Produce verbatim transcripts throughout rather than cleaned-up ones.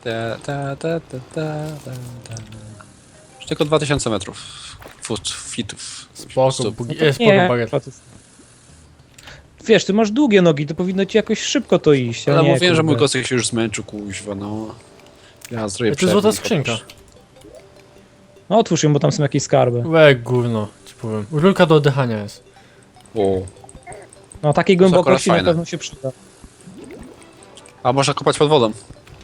Ta, ta, ta, ta, ta, ta, ta. Już tylko dwa tysiące metrów. Foot, fitów. Spoko, Stóp. bugi... to e, spoko nie, bagiet. Wiesz, ty masz długie nogi, to powinno ci jakoś szybko to iść, a Ale nie, mówiłem, że mój kurde. kostek się już zmęczył, kuźwa, no. Ja zrobię To jest złota przerwnik, skrzynka. chociaż. No otwórz ją, bo tam są jakieś skarby. Łe, gówno, ci powiem. Rurka do oddychania jest. O. No takiej akurat głębokości na fajne. pewno się przyda. A można kopać pod wodą.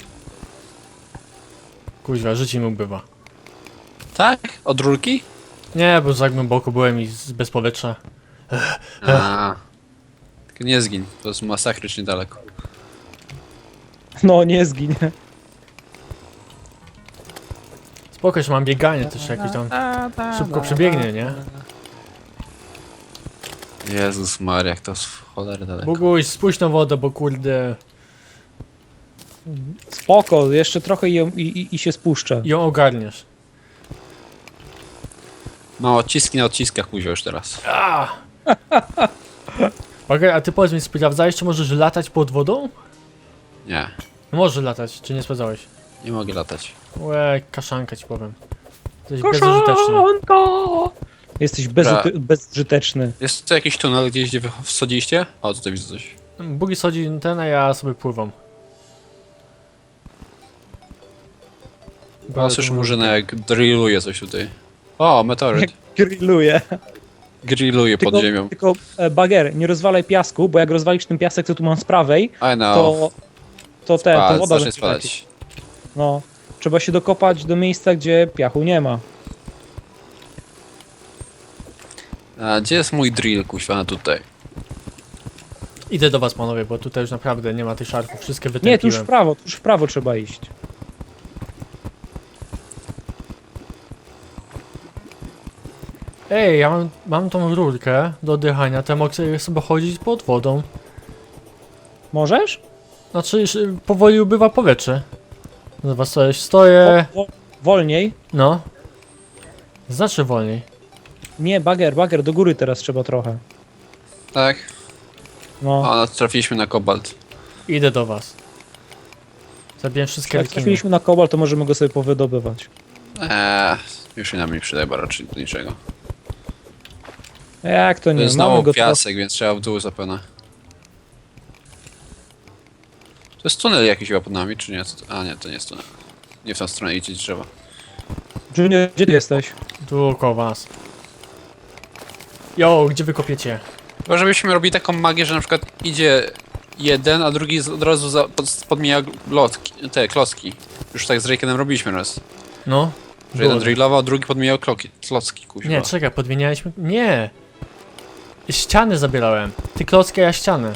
Kuźwa, życie mi ubywa. Tak? Od rurki? Nie, bo za głęboko byłem i z- bez powietrza. A. Tylko nie zgiń, to jest masakrycznie daleko. No nie zginie. Spoko, że mam bieganie też jakieś tam. Szybko przebiegnie, nie? Jezus Maria, jak to jest w cholerę daleko. Boguś, spójrz na wodę, bo kurde... Spoko, jeszcze trochę i, ją- i, i, i się spuszczę. ją ogarniesz. No, odciski na odciskach kuźwa już teraz. A! Bagaj, a ty powiedz mi, sprawdzałeś, czy możesz latać pod wodą? Nie, No możesz latać, czy nie sprawdzałeś? nie mogę latać. Łe, kaszanka ci powiem. Jesteś bezużyteczny. Koszanko! Jesteś bezuty- bezużyteczny. Jest tu jakiś tunel gdzieś, gdzie wy wsadziliście? O, tutaj widzę coś. Bugi schodzi ten, a ja sobie pływam. O, słyszę murzyna jak drilluje coś tutaj. O, meteoryt. Jak grilluje. Grilluje pod Tylko, ziemią. tylko e, bager, nie rozwalaj piasku, bo jak rozwalisz ten piasek, co tu mam z prawej, I know. to, to ten, to Spadł, woda zacznie będzie lecieć. spadać. No, trzeba się dokopać do miejsca, gdzie piachu nie ma. A gdzie jest mój drill, kuźwa, no tutaj? Idę do was, panowie, bo tutaj już naprawdę nie ma tych szarków. Wszystkie Nie, tu już w wytępiłem. prawo, tu już w prawo trzeba iść. Ej, ja mam, mam tą rurkę do oddychania, to ja mogę sobie chodzić pod wodą. Możesz? Znaczy, już y, powoli ubywa powietrze. Zobacz, coś, stoję... Wo- wo- wolniej. No. Znaczy wolniej. Nie, bager, bager, do góry teraz trzeba trochę. Tak? No, O, no, trafiliśmy na kobalt. Idę do was. Zabiłem wszystkie jak rekiny. trafiliśmy na kobalt, to możemy go sobie powydobywać. Eee, już się nam nie przydaje, bo raczej do niczego. Jak to To nie, jest mamy znowu go piasek, więc trzeba w dół zapewne. To jest tunel jakiś chyba pod nami, czy nie? A nie, to nie jest tunel. Nie w tą stronę idzie trzeba. Junior, gdzie ty jesteś? Tu koło was. Jo, gdzie wy kopiecie? Chyba żebyśmy robili taką magię, że na przykład idzie jeden, a drugi z- od razu za, pod, podmija lotki, te klocki. Już tak z Rakenem robiliśmy raz. No. Że jeden Było. drillował, a drugi podmijał kloki, klocki, kuźwa. Nie, czekaj, podmienialiśmy... Nie! Ściany zabierałem. Ty klocki, a ja ściany.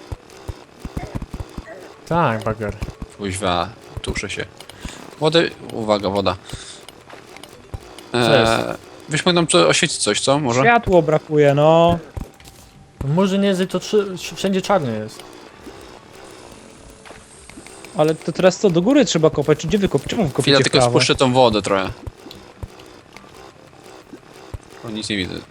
Tak, bager. Kuźwa, tuszę się. Wody, uwaga, woda. Co Eee, byśmy nam to oświecić coś, co? Może? Światło brakuje, no. Może nie jest to trzy... wszędzie czarny jest. Ale to teraz co, do góry trzeba kopać, czy gdzie wy kopiecie? Czemu wy Chwila, kopiecie w tylko prawo? spuszczę tą wodę trochę. O, nic nie widzę.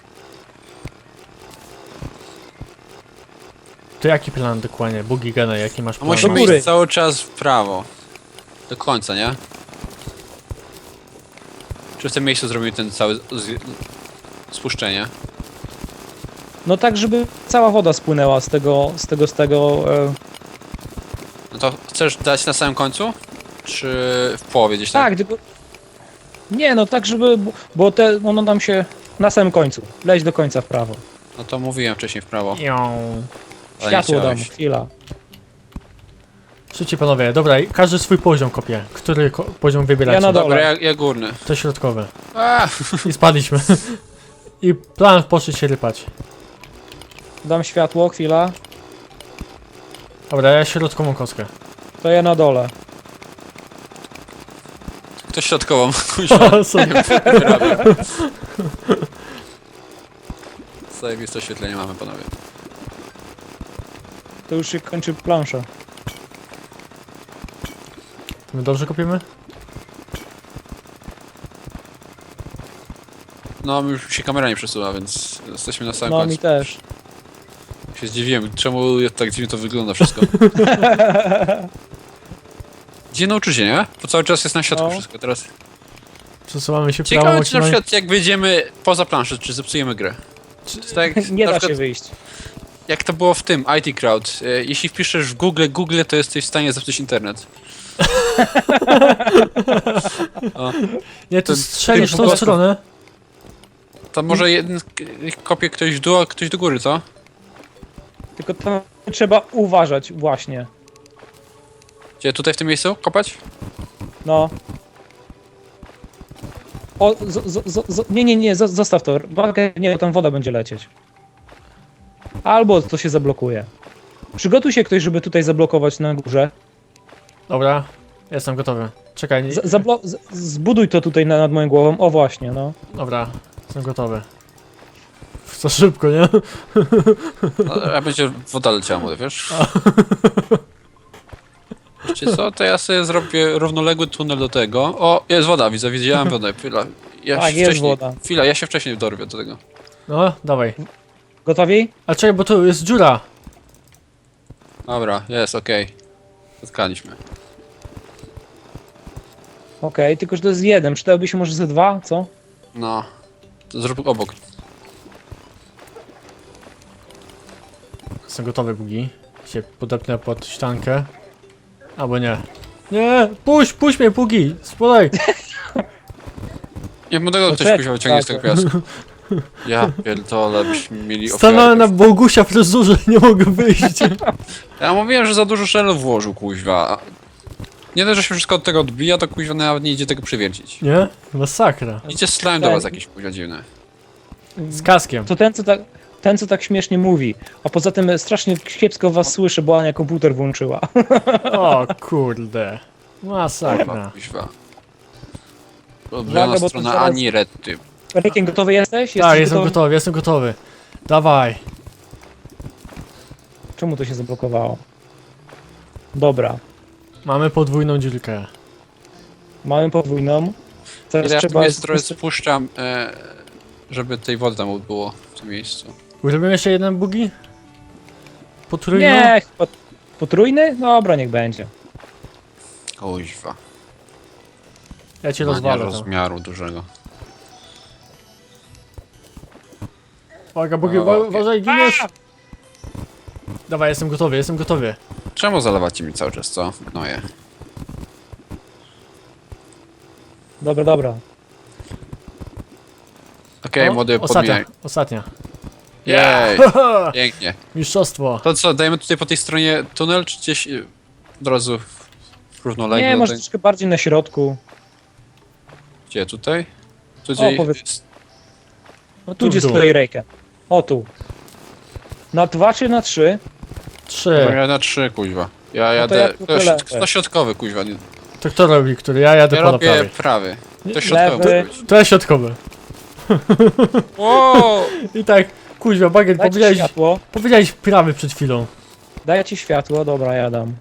To jaki plan dokładnie? Bugi gana, jaki masz A plan? musimy Do góry. iść cały czas w prawo. Do końca, nie? Czy w tym miejscu zrobimy ten cały z... spuszczenie? No tak, żeby cała woda spłynęła z tego, z tego, z tego... E... No to chcesz dać na samym końcu? Czy w połowie gdzieś tak? Tak, tylko... Nie, no tak, żeby... Bo te, ono nam się... Na samym końcu. Leć do końca w prawo. No to mówiłem wcześniej w prawo. Ją. Ale nie Światło dam, chciałeś. chwila. Szybciej panowie, dobra, i każdy swój poziom kopie. Który ko poziom wybieracie? Ja na dole. Dobra, ja, ja górny. To środkowy. A! I spadliśmy. I plan poszedł się rypać. Dam światło, chwila. Dobra, ja środkową kostkę. To ja na dole. Ktoś środkową, kuźwa. Sobie. Wyrabiam. Zajebiste oświetlenie mamy, panowie. To już się kończy plansza. My dobrze kopiemy? No, już się kamera nie przesuwa, więc jesteśmy na samym No mi końcu. też. Się zdziwiłem, czemu tak dziwnie to wygląda wszystko. Gdzie nauczycie, nie? Bo cały czas jest na środku No. wszystko teraz. Przesuwamy się prawą Ciekawe, czy na maksymalnie. przykład jak wyjdziemy poza planszę, czy zepsujemy grę. Czy, tak, Nie na da przykład, się wyjść. jak to było w tym, I T Crowd. e, Jeśli wpiszesz w Google Google, to jesteś w stanie zepsuć internet. Nie, to to- strzelisz w tym tą po prostu- stronę. To może jeden k- kopie ktoś w dół, a ktoś do góry, co? Tylko to trzeba uważać właśnie. Gdzie, tutaj w tym miejscu kopać? No. O, z, z, z, z, nie, nie, nie, z, zostaw to. Uwaga, nie, bo tam woda będzie lecieć. Albo to się zablokuje. Przygotuj się ktoś, żeby tutaj zablokować na górze. Dobra, jestem gotowy. Czekaj, nie... Z, zablo z, zbuduj to tutaj na, nad moją głową. O właśnie, no. Dobra, jestem gotowy. Za szybko, nie? No, a będzie woda leciała, młody, wiesz? Wiecie co, to ja sobie zrobię równoległy tunel do tego. O, jest woda, widzę, widziałem wodę. Chwila, ja Tak, się jest wcześniej, woda. Chwila, ja się wcześniej dorwię do tego. No, dawaj. Gotowi? A czekaj, bo tu jest dziura. Dobra, jest, okej. Spotkaliśmy. Okej, tylko że to jest jeden. Przydałby się może ze dwa, co? No, to zrób obok. Jestem gotowy, Bugi. Się podepnę pod ściankę. Albo nie. Nie! Puść, puść mnie, Bugi! Spodaj! Nie młodego ktoś Poczekaj, kuźwa wyciągnie z tego tak. piasku. Ja pierdolę, byśmy mieli Stanąłem na ofiarę. Bogusia fryzurze, nie mogę wyjść. Ja mówiłem, że za dużo szelów włożył, kuźwa. Nie dość, że się wszystko od tego odbija, to kuźwa nawet nie idzie tego przywiercić. Nie? Masakra. Idzie slime do was jakiś kuźwa dziwny. Z kaskiem. To ten, co tak, ten, co tak śmiesznie mówi. A poza tym strasznie kiepsko was słyszę, bo Ania komputer włączyła. O kurde. Kurwa, Masakra. kuźwa. Uwaga, Ulubiona bo to strona zaraz- Ani Redty. Rekiem, gotowy jesteś? Tak, Jesteś jestem gotowy, jestem gotowy. Dawaj. Czemu to się zablokowało? Dobra. Mamy podwójną dziurkę. Mamy podwójną. Teraz Ja w tym trzeba... miejscu trochę spuszczam, e, żeby tej wody tam było w tym miejscu. Zrobimy jeszcze jeden bugi? Potrójną? Nie, pot, potrójny? Dobra, niech będzie. Kuźwa. Ja cię Ma nie rozwalę tam. rozmiaru dużego. Uwaga, bugi, O, uwa- okej. uważaj, giniesz! Dawaj, jestem gotowy, jestem gotowy. Czemu zalewacie mi cały czas, co? Gnoje. Dobra, dobra. Okej, O, młody, ostatnia, podmieniaj. ostatnia. Jej, pięknie. Mistrzostwo. To co, dajemy tutaj po tej stronie tunel, czy gdzieś y, od razu równolegle? Nie, może Daj- troszkę bardziej na środku. Gdzie, tutaj? Tutaj powiedz- jest... No Tu tu, w gdzie dół. stoi Rejkę. O, tu. Na dwa czy na trzy? Trzy. Ja na trzy, kuźwa. Ja to jadę... ja To, tylko jest lewy. to środkowy, kuźwa. Nie- To kto robi, który? Ja jadę Ja po robię prawej. prawy. To Nie, środkowy lewy. może być. To jest środkowy. Wow! I tak, kuźwa, bagiet, Dajcie powiedziałeś, światło. powiedziałeś prawy przed chwilą. Daję ci światło, dobra, ja dam.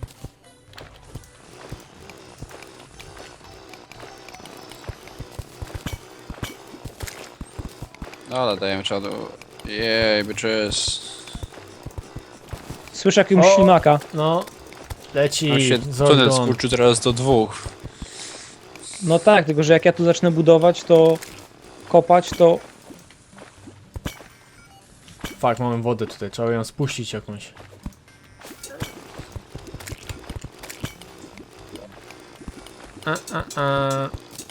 Dobra, dajemy trzeba do... Jej, bitches. Słyszę jakiegoś O. ślimaka. No, leci, On się tunel Zordon. skurczył teraz do dwóch. No tak, tylko że jak ja tu zacznę budować, to kopać, to Fak, mamy wodę tutaj, trzeba ją spuścić jakąś. A, a, a.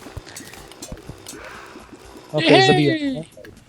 okej, Jej! zabiję.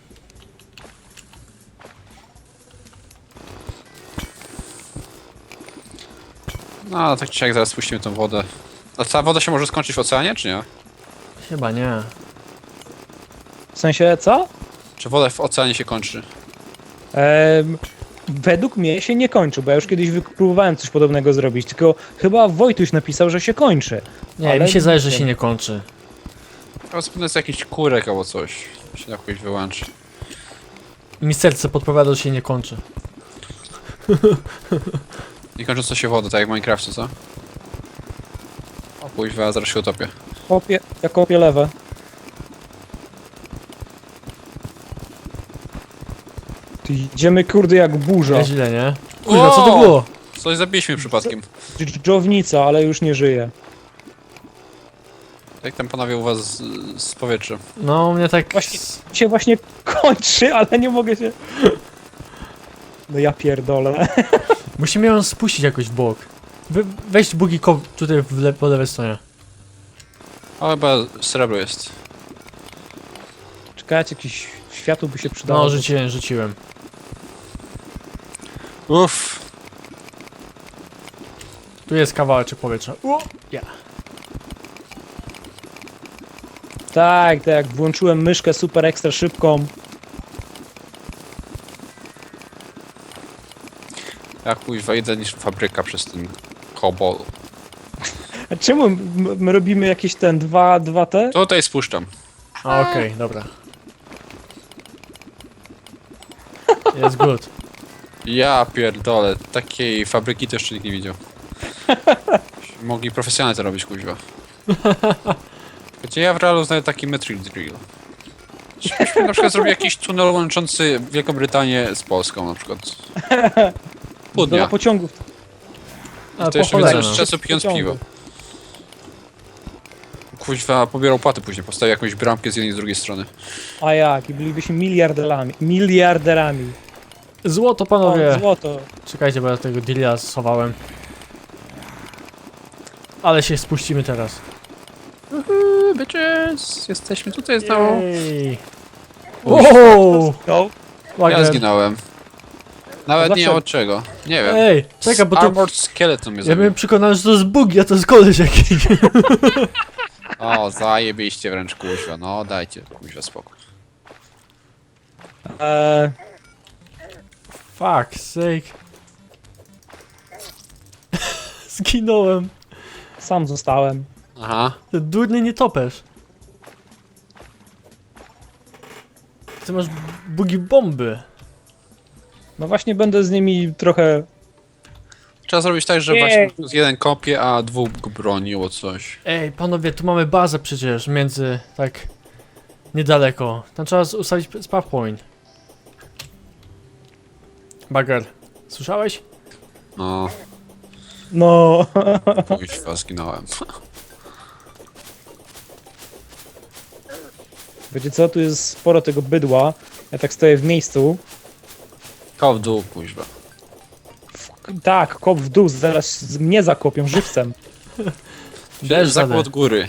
No, tak czy jak zaraz spuścimy tą wodę. A ta woda się może skończyć w oceanie, czy nie? Chyba nie. W sensie, co? Czy woda w oceanie się kończy? Em, według mnie się nie kończy, bo ja już kiedyś wy- próbowałem coś podobnego zrobić, tylko chyba Wojtuś napisał, że się kończy. Nie, Ale mi się zdaje, że nie się wiem. nie kończy. Chyba zapewne jest jakiś kurek albo coś. Się jakoś wyłączy. Mi serce podpowiada, że się nie kończy. Nie kończąca się woda, tak jak w Minecrafcie, co? O kuźwa, zaraz się utopię. Kopię, ja kopię lewe. Ty, idziemy kurde jak burza. Nieźle, nie? Kurwa, co to Wow! było? Coś zabiliśmy przypadkiem. Dżdżownica, ale już nie żyje. Jak tam panowie u was z, z powietrza? No, u mnie tak... Właśnie się właśnie kończy, ale nie mogę się... No ja pierdolę. Musimy ją spuścić jakoś w bok. Wy, weź bugi ko tutaj w le po lewej stronie. O, chyba srebro jest. Czekajcie, jakiś światło by się przydało. No, rzuciłem, rzuciłem. Uff. Tu jest kawałeczek powietrza. U, ja. Tak, tak, włączyłem myszkę super ekstra szybką. Jak kuźwa, idę niż fabryka przez ten kobol. A czemu m- my robimy jakieś ten dwa, dwa te? Tutaj spuszczam. A, okej, dobra. Jest good. Ja pierdolę, takiej fabryki to jeszcze nikt nie widział. Mogli profesjonalnie to robić, kuźwa. Gdzie ja w realu znajdę taki metric drill. Czyżbyśmy na przykład zrobili jakiś tunel łączący Wielką Brytanię z Polską na przykład. Pół Do dnia. pociągów. Ale To po jeszcze cholerę, więcej no. czasu pijąc Pociągu. piwo. Kuźwa, pobierał płaty później, postawił jakąś bramkę z jednej i z drugiej strony. A jak, i bylibyśmy miliarderami. Miliarderami. Złoto, O, panowie. złoto. Czekajcie, bo ja tego deala schowałem. Ale się spuścimy teraz. Uhu, bitches, jesteśmy tutaj znowu. Jej. Kuźwa. Wow! No. Ja Lager. zginąłem. Nawet nie Dlaczego? wiem od czego. Nie wiem. Ej, czekaj, bo to... Armored Skeleton mnie Ja zabił. byłem przekonany, że to jest bug, a to jest koleś jakiś. O, zajebiście wręcz, kuźwa. No, dajcie, kuźwa, spokój. Eee, Fuck sake. Zginąłem. sam zostałem. Aha. Ty durny nietoperz. Ty masz bugi bomby. No właśnie będę z nimi trochę... Trzeba zrobić tak, że Jej. właśnie z jeden kopie, a dwóch go broniło coś. Ej, panowie, tu mamy bazę przecież między, tak, niedaleko. Tam trzeba z- ustawić p- spawn point. Bagger, słyszałeś? No, No... kuźwa, zginąłem. Wiecie co, tu jest sporo tego bydła. Ja tak stoję w miejscu. Koł w dół, kuźwa. Tak, kop w dół, zaraz z- mnie zakopią żywcem. Deszcz Zakład zadę. od góry.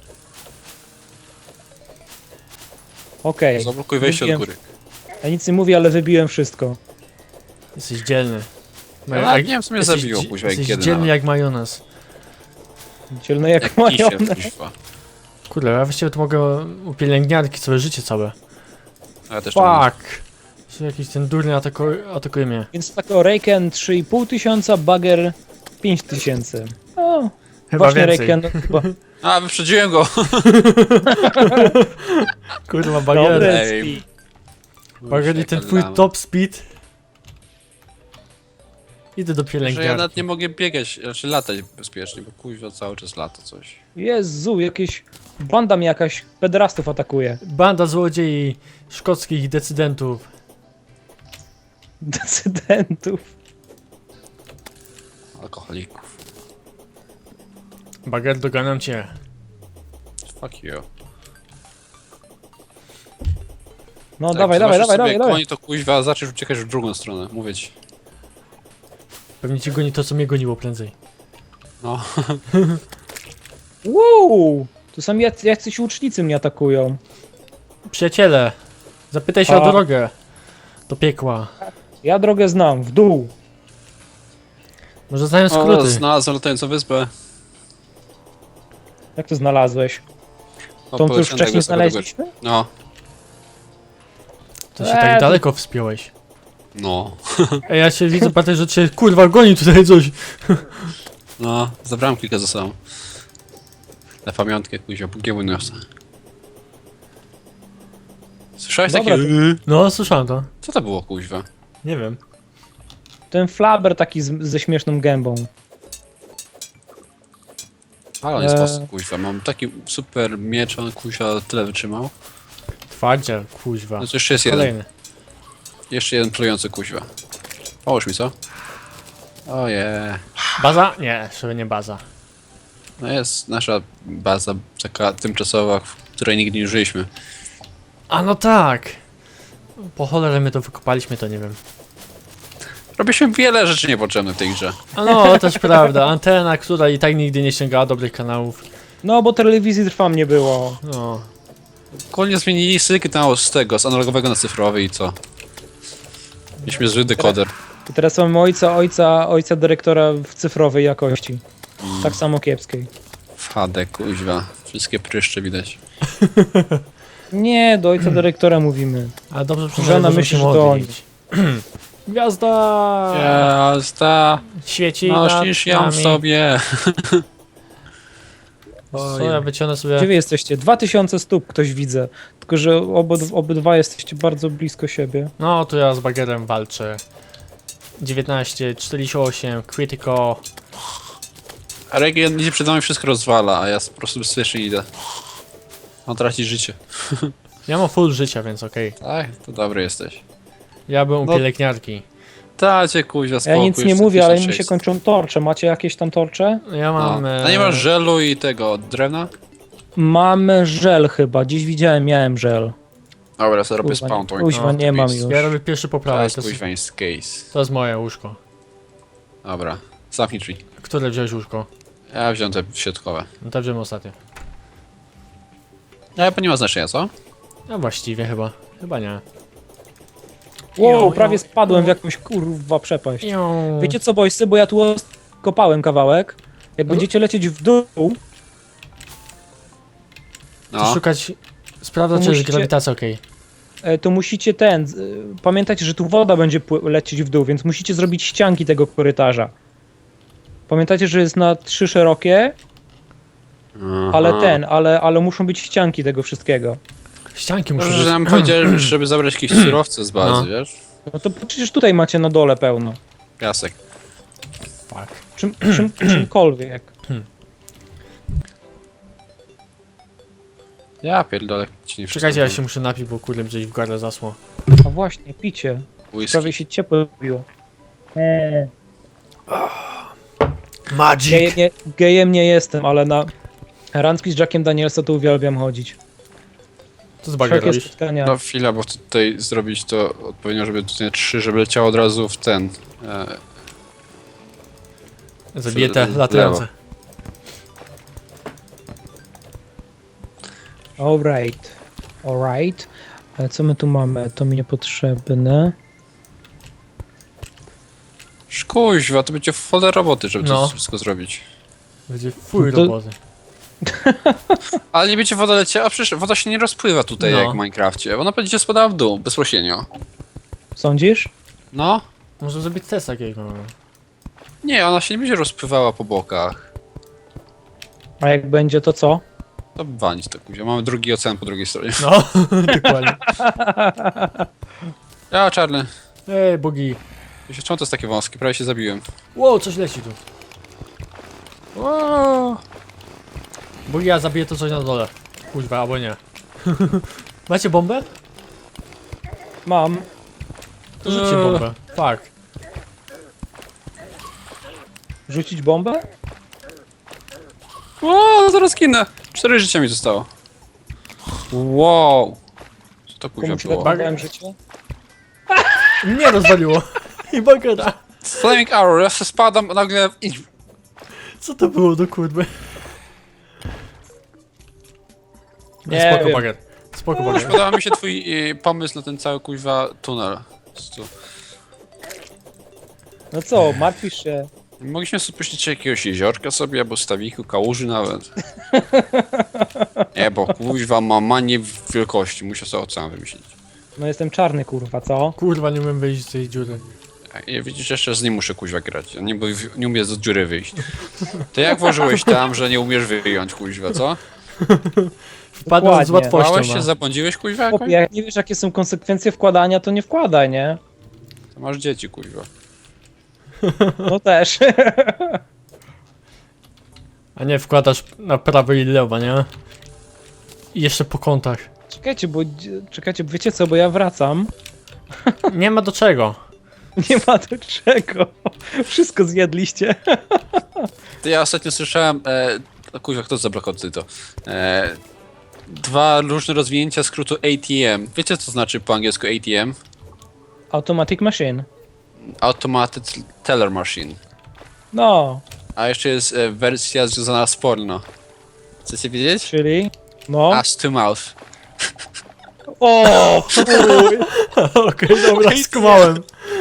Okej, Zablokuj wejście od Mówiłem- góry. ja nic nie mówię, ale wybiłem wszystko. Jesteś dzielny. Ja nie wiem, co mnie jesteś zabiło, dzi- kuźwa, jak Jesteś kiedy dzielny nawet. jak majonez. Dzielne jak, Jak mają. kisiel, kuźwa. Kurde, ja właściwie to mogę u pielęgniarki całe życie całe. A ja też to mówię. Fuck! Jeszcze jakiś ten durny atakuje, atakuje mnie. Więc tak o Reiken trzy i pół tysiąca, Bagger pięć tysięcy. O, Chyba właśnie więcej. Reiken chyba. A, wyprzedziłem go! Kurwa, Bagger. Dobry Ej. speed. Bagger i ten twój top speed. Idę do Że ja pielęgniarki. nawet nie mogę biegać, znaczy latać bezpiecznie, bo kuźwa cały czas lata coś. Jezu, jakieś banda mnie jakaś pederastów atakuje. Banda złodziei szkockich decydentów. Decydentów. Alkoholików. Bagger, doganam cię. Fuck you. No Tak, dawaj, dawaj, zobaczysz dawaj, sobie, dawaj, dawaj. Koni to kuźwa, zaczniesz uciekać w drugą stronę, mówię ci. Pewnie ci goni to, co mnie goniło prędzej. No. Wow! Tu są jac- jacyś łucznicy mnie atakują. Przyjaciele, zapytaj się A. o drogę. Do piekła. Ja drogę znam, w dół. Może znają O, skróty. znalazłem latającą wyspę. Jak to znalazłeś? O, Tą, co już poleciałem wcześniej tego sobie do góry. znaleźliśmy? No. To się Eee, tak to- daleko wspiąłeś. No. Ej, ja się widzę, patrzę, że cię kurwa goni tutaj coś. No, zabrałem kilka ze sobą. Na pamiątkę kuźwa, pogieły niosę. Słyszałeś Dobra, takie... to- No, słyszałem to. Co to było kuźwa? Nie wiem. Ten flaber taki z, ze śmieszną gębą. Ale on jest Eee. mocny, kuźwa. Mam taki super miecz, on kuźwa tyle wytrzymał. Twardziel, kuźwa. No to jeszcze jest jeden. Kolejny. Jeszcze jeden plujący kuźwa. Połóż mi, co? Oje. Baza? Nie, żeby nie baza. No jest nasza baza taka tymczasowa, w której nigdy nie użyliśmy. A no tak! Po cholerę my to wykopaliśmy, to nie wiem. Robiliśmy wiele rzeczy niepotrzebnych w tej grze. A no, też prawda. Antena, która i tak nigdy nie sięgała dobrych kanałów. No, bo telewizji trwam nie było. No. Ogólnie zmienili sygnał z tego, z analogowego na cyfrowy i co? Mieliśmy zły dekoder. I teraz mamy ojca, ojca, ojca dyrektora w cyfrowej jakości. Tak samo kiepskiej. W H D, kuźwa. Wszystkie pryszcze widać. Nie, do ojca dyrektora mówimy. Ale dobrze Żona przynajmniej myśli, się że to modlić. Gwiazda! Jazda! Świeci Nosisz nad ją nami. w sobie. Co, ja wyciągnę Gdzie sobie... wy jesteście? dwa tysiące stóp ktoś widzę. Tylko, że obyd obydwa jesteście bardzo blisko siebie. No, to ja z bagerem walczę. dziewiętnaście, czterdzieści osiem, critical. A region idzie przed nami, wszystko rozwala, a ja po prostu bezpiecznie idę. On traci życie. Ja mam full życia, więc okej. Tak, to dobry jesteś. Ja byłem u No. pielęgniarki. Dacie kuźwa Ja spokój. nic nie jestem mówię, ale mi się tysiąc sześćset. kończą torcze. Macie jakieś tam torcze? Ja mam... No. e, A nie masz żelu i tego drewna? Mamy żel chyba. Dziś widziałem, miałem żel. Dobra, sobie robię Kuźwa, spawn point. kuźwa, No, nie mam please. już. Ja robię pierwszy To poprawek. jest To jest, kuźwa jest case. to jest moje łóżko. Dobra, zamknij drzwi. Które wziąłeś łóżko? Ja wziąłem te środkowe. No to wziąłem ostatnio. Ja bo nie ma znaczenia, co? No właściwie chyba. Chyba nie. Wow, Jo, prawie jo, spadłem w jo. jakąś kurwa przepaść. Iu. Wiecie co, boysy, bo ja tu kopałem kawałek. Jak No. będziecie lecieć w dół, To No. szukać... Sprawdzać, To czy jest musicie- grawitacja okej. e, to musicie ten... e, Pamiętajcie, że tu woda będzie pły- lecieć w dół, więc musicie zrobić ścianki tego korytarza. Pamiętajcie, że jest na trzy szerokie, ale Aha. ten, ale, ale muszą być ścianki tego wszystkiego. Ścianki muszą Może, być... że nam powiedzieli, żeby zabrać jakieś surowce z bazy, No. wiesz? No to przecież tutaj macie na dole pełno. Piasek. Fuck. Czym, czym, czymkolwiek. Ja pierdolę, ci nie Czekajcie, ja wszystko się muszę napić, bo kurde gdzieś w gardle zasło. A właśnie, picie. whisky. Prawie się ciepło zrobiło. Eee. Magic! Gejem nie, gejem nie jestem, ale na randki z Jackiem Danielsa to uwielbiam chodzić. Co z bager Wszelkie robisz? spotkania. No chwila, bo chcę tutaj zrobić to odpowiednio, żeby tutaj trzy, żeby leciało od razu w ten. E, Zabiję te w latające. Alright. Alright. Ale co my tu mamy? To mi niepotrzebne. Szkuźwa, to będzie folder roboty, żeby No. to wszystko zrobić. Będzie fuj To- roboty. Ale nie będzie woda leciała, a przecież woda się nie rozpływa tutaj No. jak w Minecrafcie. Ona będzie spadała w dół, bezpośrednio. Sądzisz? No. Może zrobić test jakiego. Nie, ona się nie będzie rozpływała po bokach. A jak będzie, to co? To walić to kuźwa. Mamy drugi ocean po drugiej stronie. No, dokładnie. Ja, czarny. Ej, bogi. Wiecie, czemu to jest takie wąskie? Prawie się zabiłem. Wow, coś leci tu. Wow. Bogi, ja zabiję to coś na dole. Kuźwa, albo nie. Macie bombę? Mam. To rzućcie Eee. bombę. Fuck. Rzucić bombę? O, zaraz kinę. Cztery życia mi zostało. Wow. Co to kuźwa Komuś było? dałem życie? Mnie rozwaliło. I bagera. Flaming Arrow, ja się spadam nagle i... Co to było do kurwy? Nie Spoko wiem. bager. Spoko bager. Podoba mi się twój y, pomysł na ten cały kuźwa tunel. Po prostu. No co, martwisz się? Mogliśmy sobie puścić jakiegoś jeziorka sobie, albo stawiku, kałuży nawet. Nie, bo kuźwa ma manię wielkości, muszę sobie ocean wymyślić. No jestem czarny, kurwa, co? Kurwa, nie umiem wyjść z tej dziury. Ja widzisz, jeszcze z nim muszę kuźwa grać. Ja nie, bo nie umiem z dziury wyjść. Ty jak włożyłeś tam, że nie umiesz wyjąć kuźwa, co? Wpadłem z Dokładnie. łatwością. Bałeś się, no. zabłądziłeś kuźwa Chłopie, jakoś? jak nie wiesz, jakie są konsekwencje wkładania, to nie wkładaj, nie? To masz dzieci kuźwa. No też. A nie wkładasz na prawo i lewo, nie? I jeszcze po kątach. Czekajcie, bo... Czekajcie, wiecie co, bo ja wracam. Nie ma do czego. Nie ma do czego. Wszystko zjedliście. To ja ostatnio słyszałem, e, o kurwa, kto zablokował tutaj to? E, dwa różne rozwinięcia skrótu A T M. Wiecie co znaczy po angielsku A T M? Automatic machine. Automated Teller Machine. No, A jeszcze jest e, wersja związana z porno. Chcecie wiedzieć? czyli... No. Ass to mouth. O, chuj. Okej, dobra, skumałem.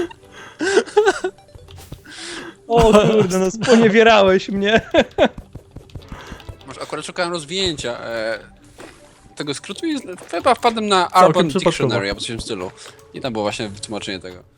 O kurde, no sponiewierałeś mnie. Może akurat szukałem rozwinięcia e, tego skrótu i chyba wpadłem na Urban przypadkowo. Dictionary albo coś w tym stylu. I tam było właśnie wytłumaczenie tego.